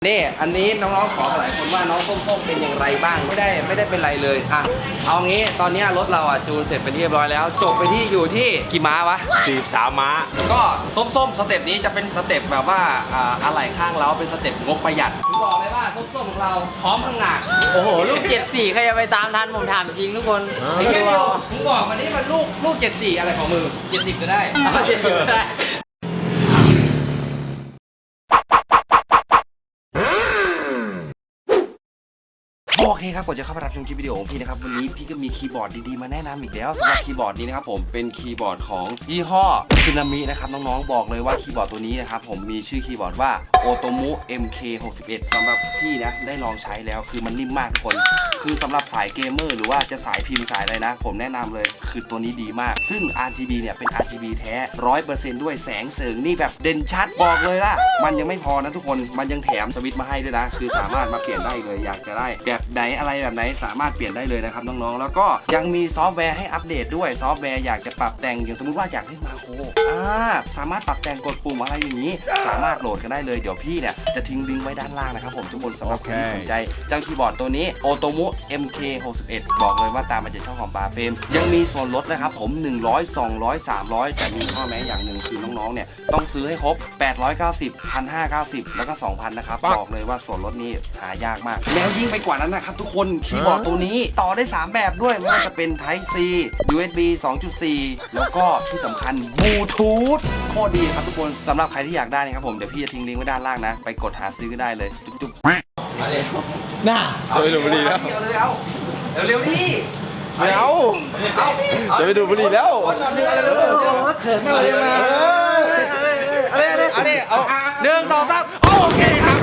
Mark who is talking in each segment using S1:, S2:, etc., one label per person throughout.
S1: นี่อันนี้น้องๆขอหลายคนว่าน้องส้มๆเป็นอย่างไรบ้างไม่ได้เป็นไรเลยอ่ะเอางี้ตอนนี้รถเราอ่ะจูนเสร็จเป็นที่เรียบร้อยแล้วจบไปที่อยู่ที่กี่ม้าวะ
S2: 43ม้า
S1: ก็ส้มๆสเต็ปนี้จะเป็นสเต็ปแบบว่าอะไหล่ข้างเราเป็นสเต็ปงบประหยัดผมบอกเลยว่าส้มๆของเราพร้อมพังงาด
S3: โอ้โหลูก74ใครจะไปตามทันผมถามจริงทุกคน
S1: ไอ้เดียวมึงบอกมานี่มันลูก74อะไรของมือ70ก็ได้
S3: 70ก็ได้
S1: โอเคครับก่อนจะเข้าไปรับชมคลิปวิดีโอของพี่นะครับวันนี้พี่ก็มีคีย์บอร์ดดีๆมาแนะนำอีกแล้วสำหรับคีย์บอร์ดนี้นะครับผมเป็นคีย์บอร์ดของยี่ห้อซึนามินะครับน้องๆบอกเลยว่าคีย์บอร์ดตัวนี้นะครับผมมีชื่อคีย์บอร์ดว่าโอโตมุ MK61 สำหรับพี่นะได้ลองใช้แล้วคือมันนิ่มมากทุกคนคือสำหรับสายเกมเมอร์หรือว่าจะสายพิมพ์สายอะไรนะผมแนะนำเลยคือตัวนี้ดีมากซึ่ง RGB เนี่ยเป็น RGB แท้ 100% ด้วยแสงเสริงนี่แบบเด่นชัดบอกเลยล่ะมันยังไม่พอนะทุกคนมันยังแถมสวิตช์มาให้ด้วยนะคือสามารถมาเปลี่ยนได้เลยอยากจะได้แบบไหนอะไรแบบไหนสามารถเปลี่ยนได้เลยนะครับน้องๆแล้วก็ยังมีซอฟต์แวร์ให้อัปเดตด้วยซอฟต์แวร์อยากจะปรับแต่งอย่างสมมุติว่าอยากเล่นมาโครสามารถปรับแต่งกดปุ่มอะไรอย่างนี้สามารถโหลดกันได้เลยเดี๋ยวพี่เนี่ยจะทิ้งลิงก์ไว้ด้านล่างนะครับผมทุกคนสำหรับคนที่สนใจเจ้าคีย์บอร์ดตัวนี้โอโตมุ MK61 บอกเลยว่าตามมาจากช่องของปาเฟรมยังมีส่วนลดนะครับผม100 200 300แต่มีข้อแม้อย่างหนึ่งคือน้องๆเนี่ยต้องซื้อให้ครบ890 1,590แล้วก็ 2,000นะครับบอกเลยว่าส่วนลดนี้หายากมากแล้วยิ่งไปกว่านั้นนะครับทุกคนคีย์บอร์ดตัวนี้ต่อได้3แบบด้วยไม่ว่าจะเป็น Type C USB 2.4 แล้วก็ที่สำคัญบลูทูธโคตรดีครับทุกคนสำหรับใครที่อยากได้นะครับผมเดี๋ยวพี่จะทิ้งลิงก์ไว้ด้านล่างนะไปกดหาซื้อก็ได้เลยจุ๊บๆ
S3: น่า
S2: จะไปดูบุหรี่แล้ว
S1: เร็วดิ
S2: ไม่เอาจะไปดูบุหรี่แล้ว
S1: ช็อตนึงเร็วเขินอะไรมาเอา1 2 3โอเคครับ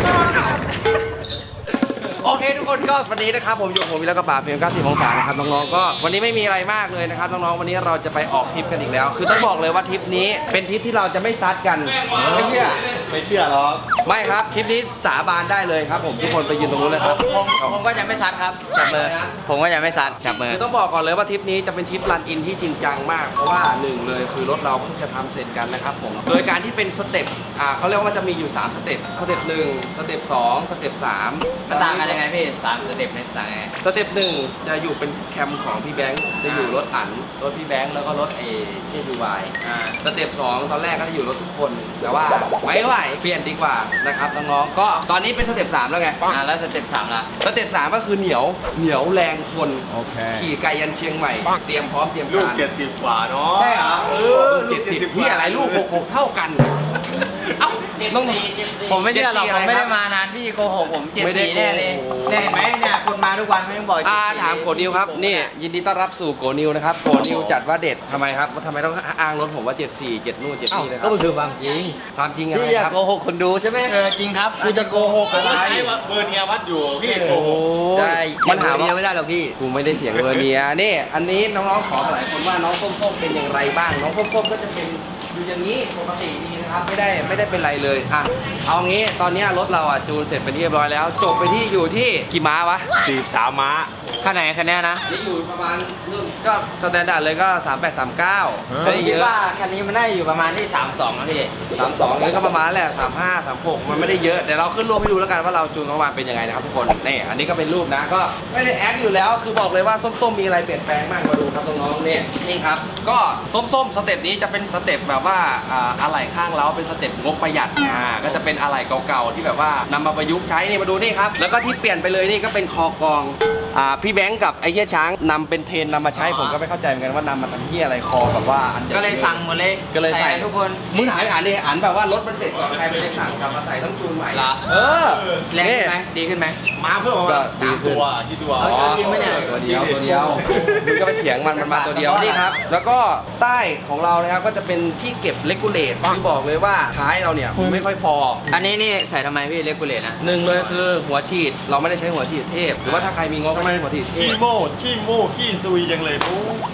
S1: โอเคทุกคนก็วันนี้นะครับผมอยู่ผมวิลกระบะเฟรม90 องศานะครับน้องๆก็วันนี้ไม่มีอะไรมากเลยนะครับน้องๆวันนี้เราจะไปออกทริปกันอีกแล้วคือต้องบอกเลยว่าทริปนี้เป็นทริปที่เราจะไม่ซัดกันไม่เชื่อหรอไม่ครับทริปนี้สาบานได้เลยครับผมทุกคนไปยืนตรงนู้นเลยครับ
S3: ผมก็จะไม่ซัดครับจับมือผมก็จะไม่ซัดจับมือ
S1: คือต้องบอกก่อนเลยว่าทริปนี้จะเป็นทริปรันอินที่จริงจังมากเพราะว่า1เลยคือรถเราเพิ่งจะทำเสร็จกันนะครับผมโดยการที่เป็นสเต็ปเขาเรียกว่ามันจะมีอยู่3สเต็ปสเต็ป1สเต็ป2สเต็ป3
S3: มันต่างกันยังไงพี่3สเต็ปในต่างไง
S1: สเต็ป1จะอยู่เป็นแคมของพี่แบงค์จะอยู่รถอั๋นรถพี่แบงค์แล้วก็รถKUYสเต็ป2ตอนแรกก็จะอยู่รถทุกคนแต่ว่าไม่ไหวเปลี่ยนดีกว่านะครับน้องๆก็ตอนนี้เป็นสเต็ป3แล้วไง
S3: แล้วสเต็ป3ละ
S1: สเต็ป3ก็คือเหนียวแรงทนขี่ไกลยันเชียงใหม่เตรียมพร้อมเตรียมการ
S2: ลูก70กว่าเนาะ
S3: ใช่เหรอ
S1: 70ที่อะไรลูก66เท่ากันเอ้าต้อง
S3: ผมไม่เชื่อหรอกผมไม่ได้มานานพี่โกหกผม74แน่เลยเนี่ยเห็นไหมเนี่ยคุณมาทุกวันไม่ต้องบอก
S1: ถามโกนิวครับนี่ยินดีต้อนรับสู่โกนิวนะครับโกนิวจัดว่าเด็ดทำไมครับทำไมต้องอ้างรถผมว่า74 7นู่น7นี่เลยครับ
S3: ก็คือความจริง
S1: อะไร
S3: พี่อยากโกหกคนดูใช่ไหมจริงครับ
S1: กูจะโกหกอะไร
S2: ใช้เบอร์เนียวัดอยู่พี่โกหก
S3: ใช่มันหาว่าไม่ได้หรอกพี่
S1: กูไม่ได้เถียงเบอร์เนียนี่อันนี้น้องๆขอหลายคนว่าน้องส้มๆเป็นอย่างไรบ้างน้องส้มๆก็จะเป็นอยู่อย่างนี้ปกติดีนะครับไม่ได้เป็นไรเลยเอางี้ตอนนี้รถเราจูนเสร็จเป็นที่เรียบร้อยแล้วจบไปที่อยู่ที่กี่ม้าวะ
S2: 43ม้า
S3: คันไหนคันนี้นะ
S1: นี่อยู่ประมาณก็สแตนดาร์ดเลยก็38 39
S3: ก็คิดว่าคันนี้มันได้อยู่ประมาณที่32นะพี่
S1: 32นี่ก็ประมาณแหละ35 36มันไม่ได้เยอะเดี๋ยวเราขึ้นรูปให้ดูแล้วกันว่าเราจูนประมาณเป็นยังไงนะครับทุกคนนี่อันนี้ก็เป็นรูปนะก็ไม่ได้แอคอยู่แล้วคือบอกเลยว่าส้มๆมีอะไรเปลี่ยนแปลงมากมาดูครับน้องๆนี่ครับก็ส้มๆสเต็ปนี้จะเป็นสเต็ปแบบว่าอะไหล่ข้างเราเป็นสเต็ปงบประหยัดก็จะเป็นอะไหล่เก่าๆที่แบบว่านำมาประยุกต์ใช้นี่มาดูนี่ครับแล้วก็ที่เปลี่ยนไปเลยนี่ก็เป็นคอกองพี่แบงค์กับไอ้เหี้ยช้างนำเป็นเทรนนำมาใช้ผมก็ไม่เข้าใจเหมือนกันว่านำมาทำเหี้ยอะไรคอแบบว่าอัน
S3: ก็เลยสั่งหมดเลย
S1: ก็เลยใส่
S3: ทุกคน
S1: มึงหายอ่านดิอ่านแบบว่ารถมันเสร็จก่อนใครไปสั่งกลับมาใส่ต้องจูนใหม่
S3: แรงขึ้นไหมดีขึ้นไหม
S2: มาเพิ่มมา3ตัวที่ตัว
S3: จริงไหมเนี่ย
S1: ตัวเดียวมึงก็ไปเถียงมันมาตัวเดียวนี่ครับแล้วก็ใต้ของเรานะครับก็จะเป็นที่เก็บเลกูเลตที่บอกเลยว่าท้ายเราเนี่ยไม่ค่อยพอ
S3: อันนี้นี่ใส่ทำไมพี่เลกูเลตนะ
S1: 1เลยคือหัวฉีดเราไม่ได้ใช้หัวฉีดเทพหรือว่าถ้าใครมีงบก็ไม่หัวฉีดเทพ
S2: ขี้ซุยจังเลยปุ๊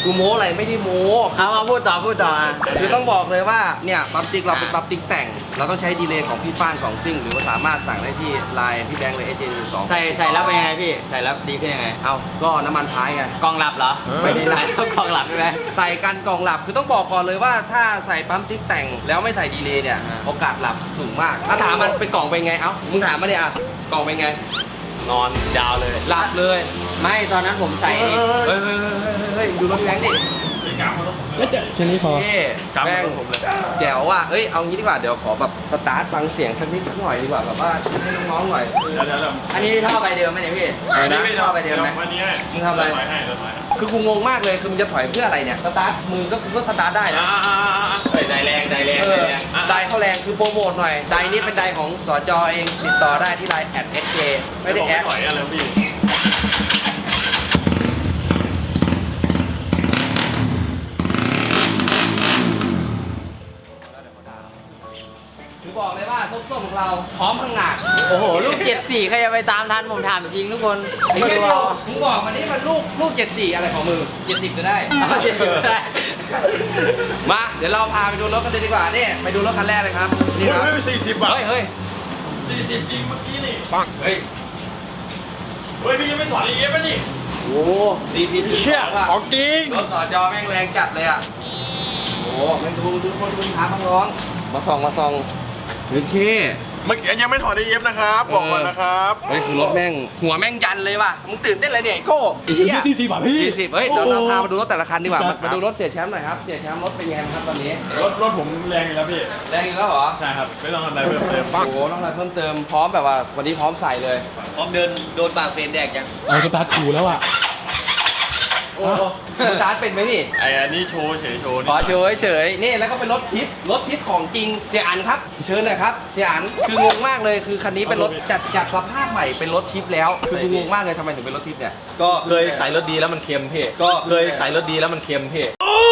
S1: กูโม้อะไรไม่ได้โม้
S3: เอามาพูดต่ออ่ะ
S1: คือต้องบอกเลยว่าเนี่ยปั๊มติ๊กเราเป็นปั๊มติ๊กแต่งเราต้องใช้ดีเลย์ของพี่ฟ้านของซิ่งหรือว่าสามารถสั่งได้ที่ไลน์พี่แบงค์เลย AJ12
S3: ใส่แล้วเป็นยังไงพี่ใส่แล้วดีขึ้นยังไง
S1: เอาก็น้ำมันท้ายไง
S3: กองหลับเหรอ
S1: ไม่ได้หลับ
S3: แล้วกองหลับใช่ไหม
S1: ใส่กันกล่องหลับคือต้องบอกก่อนเลยว่าถ้าใส่ปั๊มติ๊กแต่งแล้วไม่ใส่ดีเลย์เนี่ยโอกาสหลับสูงมากถ้าถามมันเป็นกล่องเป็นไงเอ้ามึงถามมาเนี่ยอ่ะกล่องเป็นไง
S2: นอนยาวเลย
S1: หลับเลย
S3: ไม่ตอนนั้นผมใส่นี่
S1: เฮ้ยดูรถพี่แบงค์ดิ
S2: แค่นี้พอ
S1: เท่แม่งแจ๋วว่ะเอ้ยเอางี้ดีกว่าเดี๋ยวขอแบบสตาร์ทฟังเสียงสักนิดสักหน่อยดีกว่าแบบว่าให้น้องๆหน่อย
S3: อันนี้ท่อใบเดิมไหมเนี่ยพี่
S1: อะไรนะ
S3: ท่อใบเดิมไหม
S2: วันนี้
S1: มึงทำอะไรคือกูงงมากเลยคือมึงจะถอยเพื่ออะไรเนี่ยสตาร์ทมือก็กูก็สตาร์ทได้นะ
S2: ได้แรง
S1: ไดเข้าแรงคือโปรโมทหน่อยไดนี้เป็นไดของสจเองติดต่อได้ที่ไลน์@SK ไม่ได้แอด
S2: ถอยอะไรพี่
S1: ถึงบอกเลยว่าส้มๆของเราพร้อมพังงาด
S3: โอ้โหลูก74ใครจะไปตามทันผมถามจริงทุกคน
S1: ไอ้เหี้ยมึงบอกมันนี่มันลูก74อะไรของมึง70ก็ได้
S3: เอา70ได้
S1: มาเดี๋ยวเราพาไปดูรถกันเลยดีกว่านี่ไปดูรถคันแรกเลยครับนี่ครับ
S2: 40 บาท
S1: เฮ้ย
S2: 40จริงเมื่อกี้นี่
S1: ปังเฮ้ย
S2: เฮ้ยพี่ยังไม่ถอนอีกเอฟป่ะนี่
S1: โอ้ดีพีพี
S2: เชี่ยของจริง
S1: รถสอจอแม่งแรงจัดเลยอ่ะโอ้แม่งดูคนดูท้าพังร้องมาส่องโอเค
S2: เมื่อกี้ยังไม่ถอนอีเอฟนะครับบอกก่อนนะครับ
S1: เฮ้ยคือรถแม่งหัวแม่งยันเลยว่ะมึงตื่นเต้นอะไรเนี่ยไอ้โก้40 บาทพี่40เฮ้ยเดี๋ยวเราพามาดูรถแต่ละคันดีกว่ามาดูรถเสียแชมป์หน่อยครับเสียแชมป์รถเป็นไงครับตอนนี้
S2: รถผมแรงอยู่แล้วพี่
S1: แรงอีกแล้วเหรอ
S2: ใช่ครับไม่ต้องทำอะไรเพิ่มเติม
S1: โอ้โหต้องอะไรเพิ่มเติมพร้อมแบบว่าวันนี้พร้อมใส่เลย
S3: พร้อมเดินโดนปากเฟรนแดกจัง
S4: เอาสตาร์ทขู่แล้วอ่ะ
S2: โอ้
S1: สตาร์ทเป็นไหมนี่
S2: ไอ้อันนี้โชว์เฉยโชว์นี่
S1: อ๋อเฉยนี่แล้วก็เป็นรถทิปของจริงเสียอันครับเชิญหน่อยครับเสียอันคืองงมากเลยคือคันนี้เป็นรถจัดสภาพใหม่เป็นรถทิปแล้วคือกูงงมากเลยทำไมถึงเป็นรถทิปเนี่ย
S5: ก็เคยใส่รถดีแล้วมันเค็มพี่ก็เคยใส่รถดีแล้วมันเค็มพี่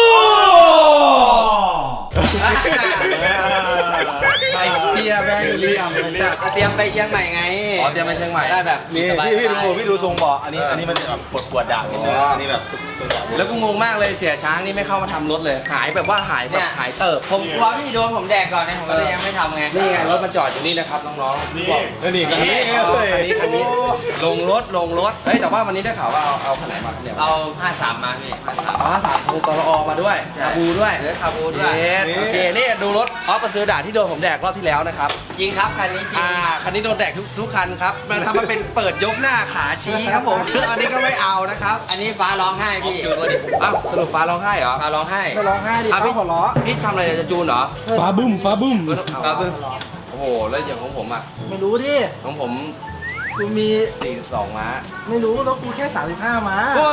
S1: ไอ้เพียแบงค์เลี่ยม
S3: เตรียมไปเชียงใหม่ไง
S1: อ๋อเตรียมไปเชียงใหม่
S3: ได้แบบ
S5: นี่
S3: สบาย
S5: พี่ดูทรงเบาะอันนี้มันแบบปวดด่างนิดนึง
S1: อ๋ออั
S5: อันนี้แบบสุดๆ
S1: แล้วกูงงมากเลยเสียช้างนี่ไม่เข้ามาทำรถเลย หายแบบว่าหายแบบหายเติบ
S3: ผมกลัวพี่โดนผมแดกก่อนนะผมก็เลยยังไม่ทำไง
S1: นี่ไงรถมันจอดอยู่นี่นะครับน้องๆ
S2: นี่
S1: บอก
S5: นี่คันนี้
S1: คันนี้ลงรถเฮ้ยแต่ว่าวันนี้ได้ข่าวว่าเอาคันไหนมาครับเนี่ย
S3: เอา53มาพี่53
S1: อ๋อสามทงตลอมาด้วยคาบูด้วย
S3: เหลือคาบูด้วย
S1: โอเคนี่ดูรถออฟประซื้อด่าที่โดนผมแดกรอบที่แล้วนะครับ
S3: จริงครับคันนี้จริง
S1: คันนี้โดนแดกทุกคันครับมันทำมาเป็นเปิดยกหน้าขาชี้ครับผมอันนี้ก็ไม่เอานะครับ
S3: อันนี้ฟ้าร้องไห้พี่
S1: อ้าวสรุปฟ้าร้องไห้เหรอ
S3: ฟ้าร้องไห้
S4: ไม่ร้องไห้ดิ
S1: อ่ะ
S4: ฟ้า
S1: พี่
S4: หัวเราะ
S1: พี่ทำอะไรจะจูนเหรอ
S4: ฟ้าบึ้ม
S3: ฟ้าบึ้ม
S1: โอ้โหแล้วอย่างของผมอ่ะ
S4: ไม่รู้ดิ
S1: ของผม
S4: กูมี
S1: 42 ม้า
S4: ไม่รู้แล้วกูแค่ 35 มา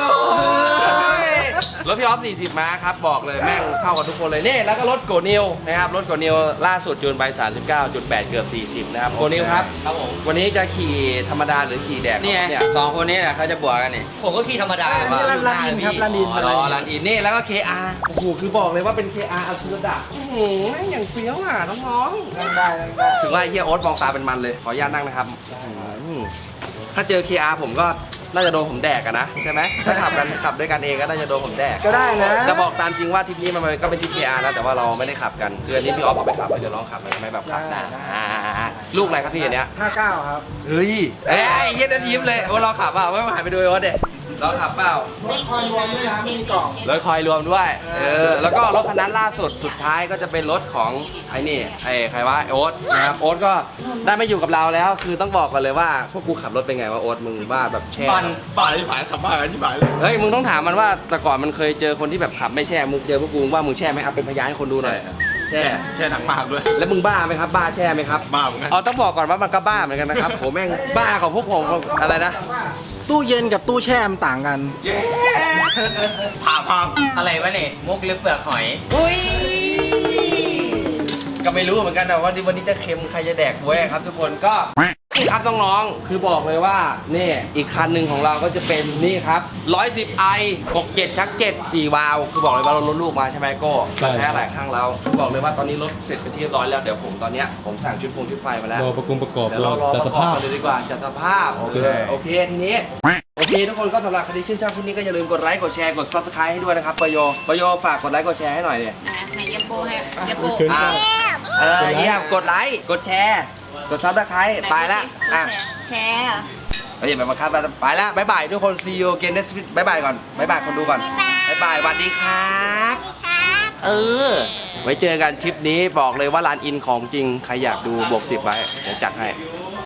S1: รถพี่ออฟ40 ม้าครับบอกเลยแม่งเข้ากับทุกคนเลยนี่แล้วก็รถโกนิวนะครับรถโกนิวล่าสุดจูนไป 39.8 เกือบ 40 นะครับโกนิวครับ
S3: ครับผม
S1: วันนี้จะขี่ธรรมดาหรือขี่แดก
S3: นี่ไง
S1: เนี่ย
S3: สองคนนี้แหละเขาจะบวกกันนี่ผมก็ขี่ธรรมดา
S4: อันนี้รันอินครับรันอิน
S1: อ๋อร้านอินนี่แล้วก็ KR โอ้โหคือบอกเลยว่าเป็น KR อัลซูดะแม่งอย่างเฟี้ยวอ่ะน้องๆ
S4: นั่งได้นั่งได้
S1: ถึงว่าไอ้เฮียโอ๊ตมองตาเป็นมันเลย ขออนุญาตนั่งนะครับถ้าเจอ KR ผมก็น่าจะโดนผมแดกอะนะใช่ไหมถ้าขับด้วยกันเองก็น่าจะโดนผมแดก
S4: ก็ได้นะ
S1: จะบอกตามจริงว่าทริปนี้มันก็เป็นทริป KR นะแต่ว่าเราไม่ได้ขับกันคืออันนี้พี่ออฟเอาไปขับเดี๋ยวลองขับหน่อยไหมแบบขับนะลูกอะไรครับพี่อันเนี้ย
S4: 59 ครับ
S1: เฮ้ยเอ้ยเฮียนั่นยิ้มเลยโอ้เราขับเปล่าไม่หายไปดูไอ้โอ๊ตเด็เราขับเปล่าร
S4: ถคอยรวมด้วยนะไม่มีกล่อง
S1: รถคอยรวมด้วยแล้วก็รถคันนั้นล่าสุดสุดท้ายก็จะเป็นรถของไอ้นี่ไอ้ใครวะโอ๊ตนะครับโอ๊ตก็ได้ไม่อยู่กับเราแล้ว คือต้องบอกกันเลยว่าพวกกูขับรถเป็นไงวะโอ๊ตมึงว่าแบบแช่
S3: บอล
S2: ป่าที่ผ่านขับบ้ากันที่ผ่านเลย
S1: เฮ้ยมึงต้องถามมันว่าแต่ก่อนมันเคยเจอคนที่แบบขับไม่แช่มึงเจอพวกกูว่ามึงแช่ไหมเอาเป็นพยานให้คนดูหน่อยแช่
S2: แช่หนังมากด้วย
S1: แล้วมึงบ้าไหมครับบ้าแช่ไหมครับ
S2: บ้าเหมือนกัน
S1: เอาต้องบอกก่อนว่ามันก็บ้าเหมือนกันนะครับโหแม่งบ้ากับพวกผมอะไรนะ
S4: ตู้เย็นกับตู้แช่มันต่างกัน
S2: พา
S3: อะไรวะเนี่ยมุกหรือเปลือกหอย
S1: อุ้ยก็ไม่รู้เหมือนกันนะว่าวันนี้จะเค็มใครจะแดกบ้วยครับทุกคนก็นี่ครับน้องๆคือบอกเลยว่านี่อีกคันหนึ่งของเราก็จะเป็นนี่ครับ110i 67ชัก7 4วาล์วคือบอกเลยว่าเราลดลูกมาใช่ไหมโก้เราใช้อะไรข้างเราคือบอกเลยว่าตอนนี้รถเสร็จไปนที่เรียบร้อยแล้วเดี๋ยวผมตอนเนี้ยผมสั่งชุดไฟมาแล้ว
S4: รอประกอบ
S1: เดี๋ยวเรารอ
S4: แต่
S1: ป
S4: ส
S1: ระกอบ
S4: ภาพ
S1: กันเลยดีกว่าจัดสภาพโอเคทีนี้โอโอเคทุกคนก็สำหรับใครที่ชื่นชอบคลิปนี้ก็อย่าลืมกดไลค์กดแชร์กด Subscribe ให้ด้วยนะครับปโยฝากกดไลค์กดแชร์ให้หน่อยเนี่ย
S6: ไหนเยมโปให้เยมโป
S1: เยี่ยมกดไลค์กดแชร์กด Subscribe ไปละอ่ะ
S6: แชร์
S1: อย่าไปบังคับไปละบ๊ายบายทุกคน see you again next week บ๊ายบายก่อนบ๊ายบายคนดูก่อนบ๊ายบายสวัสดีครับไว้เจอกันทริปนี้บอกเลยว่าร้านอินของจริงใครอยากดูบวก10ไว้เดี๋ยวจัดให้